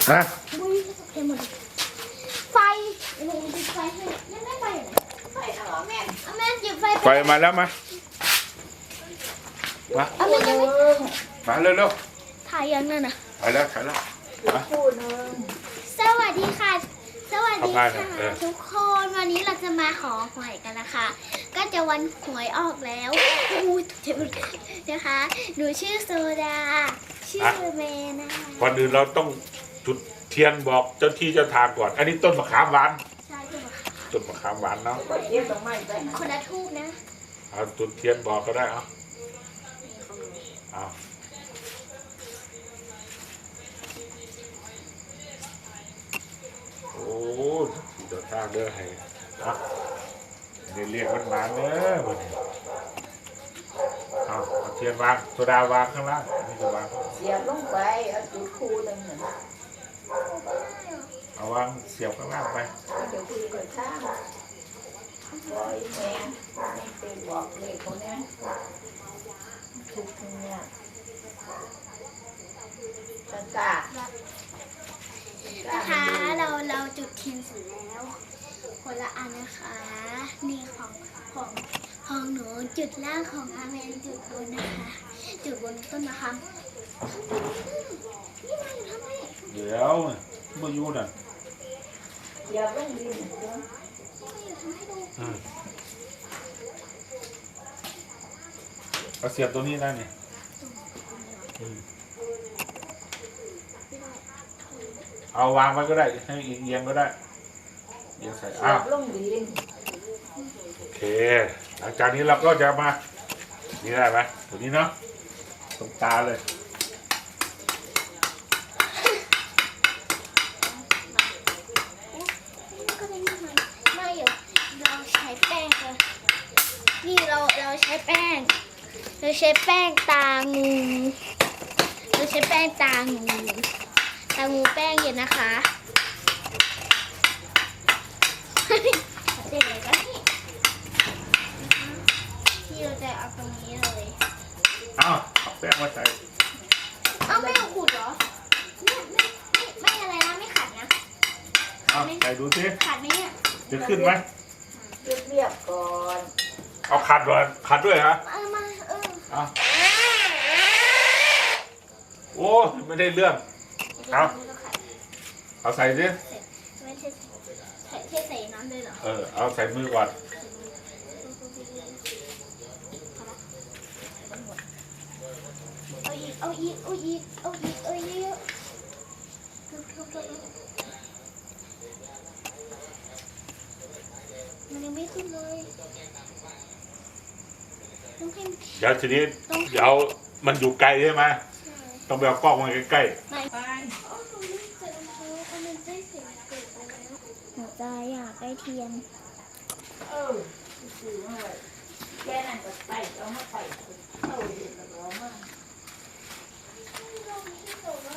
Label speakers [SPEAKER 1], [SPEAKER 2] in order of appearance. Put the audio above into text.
[SPEAKER 1] ฮะ
[SPEAKER 2] เห็นหมดไฟหนูจุดไฟให้แม่ไฟไหนไฟเหรอแม่แม่จุดไฟ
[SPEAKER 1] ไฟมาแล้วมาแม่ยังไม่มาเร็ว
[SPEAKER 2] ถ่ายยังนั่นน่ะ
[SPEAKER 1] ๆไปแล้วมา
[SPEAKER 2] สวัสดีค่ะ สวัสดีค่ะ
[SPEAKER 1] ทำงานเหรอ
[SPEAKER 2] ทุกคนวันนี้เราจะมาขอหวยกันนะคะ ก็จะวันหวยออกแล้วอู้เจ็บนะคะหนูชื่อโซดาชื่อเมย์นะคะ
[SPEAKER 1] ก่อนอื่นเราต้องจุดเทียนบอกเจ้าที่เจ้าทางก่อนอันนี้ต้นมะขามหวาน
[SPEAKER 2] ใช่ค่ะ
[SPEAKER 1] ต้นมะขามหวานเนาะ
[SPEAKER 2] คนละทูบนะ
[SPEAKER 1] เอาจุดเทียนบอกก็ได้เอาโอ้เดี๋ยวทางเด้อให้นะนี่เรียกมันมาเด้อวันนี้เอาเทียนวางโซดาวางข้างล่างนี่จะวาง
[SPEAKER 3] เสียบลงไปเอาจุดคูหนึ่งหนึ่ง
[SPEAKER 1] เอาวางเสียบข้างล่างไป
[SPEAKER 3] เดี๋ยวคุยกับช่างบอยแม่ไม่ไปบอกเลยคนนี้ทุกเนี่ยตา
[SPEAKER 2] นะคะเราจุดเทียนเสร็จแล้วคนละอันนะคะนี่ของหนูจุดล่างของอาเมนจุดบนนะคะจุดบนต้นมะขามนี่มาอยู่ทำไม
[SPEAKER 1] เดี๋ยวมาอยู่น่ะ
[SPEAKER 3] อย่าลงดิน
[SPEAKER 1] เอาเสียบตัวนี้ได้เนี่ยเอาวางไว้ก็ได้ให้เอียงก็ได้เอียงใส่
[SPEAKER 3] เสี
[SPEAKER 1] อ้า
[SPEAKER 3] ยว บลงดิน
[SPEAKER 1] โอเคหลังจากนี้เราก็จะมานี่ได้ไหมตัวนี้เนาะตรงตาเลย
[SPEAKER 2] ก็ไม่อยู่เราใช้แป้งเลยนี่เราใช้แป้งตางูเราใช้แป้งตางูแป้งเย็นนะคะเด็กเลยก็ที่เราจะเอาตรงนี้เลย
[SPEAKER 1] เอาแป้งมาใส่
[SPEAKER 2] เอ้าไม่เอาขูดเหรอไม่อะไรนะไม่ขัดนะ
[SPEAKER 1] เอาใส่ดูสิ
[SPEAKER 2] ขัดไหมเนี่ย
[SPEAKER 1] จะขึ้นไหม
[SPEAKER 3] เรียบก่อน
[SPEAKER 1] เอาขัดก่อนขัดด้วยฮะ
[SPEAKER 2] มา
[SPEAKER 1] เอาโอ้ไม่ได้เรื่องเอาใส่สิ
[SPEAKER 2] ไม่ใช่ใส่น้ำเลยเหรอ
[SPEAKER 1] เอาใส่มือก่อน
[SPEAKER 2] เอาอีกมันยังไม่ขึ้นเลยต้องให้
[SPEAKER 1] เดี๋ยวทีนี้เดี๋ยวมันอยู่ไกลใช่ไหมต้องไปเอากล้องมาใกล้ๆ
[SPEAKER 2] ไปหนูจะอยากได้เทียน
[SPEAKER 3] แค่นั้นก็ไปเอามาไปเอาเดี๋ยวเรามา